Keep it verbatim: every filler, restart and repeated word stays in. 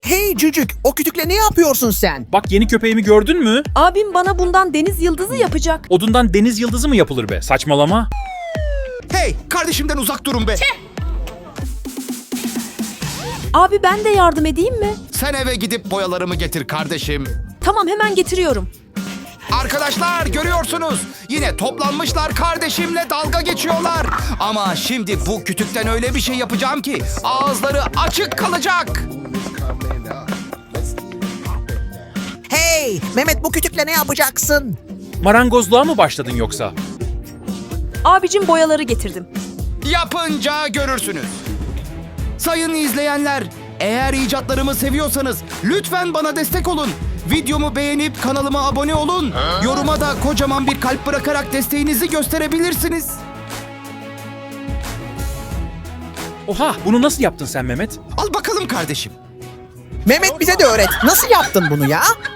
Hey cücük, o kütükle ne yapıyorsun sen? Bak yeni köpeğimi gördün mü? Abim bana bundan deniz yıldızı yapacak. Odundan deniz yıldızı mı yapılır be? Saçmalama. Hey, kardeşimden uzak durun be. Abi ben de yardım edeyim mi? Sen eve gidip boyalarımı getir kardeşim. Tamam, hemen getiriyorum. Arkadaşlar görüyorsunuz. Yine toplanmışlar kardeşimle dalga geçiyorlar. Ama şimdi bu kütükten öyle bir şey yapacağım ki ağızları açık kalacak. Hey, Mehmet bu kütükle ne yapacaksın? Marangozluğa mı başladın yoksa? Abicim boyaları getirdim. Yapınca görürsünüz. Sayın izleyenler, eğer icatlarımı seviyorsanız lütfen bana destek olun. Videomu beğenip kanalıma abone olun. Yoruma da kocaman bir kalp bırakarak desteğinizi gösterebilirsiniz. Oha, bunu nasıl yaptın sen Mehmet? Al bakalım kardeşim. Mehmet bize de öğret. Nasıl yaptın bunu ya?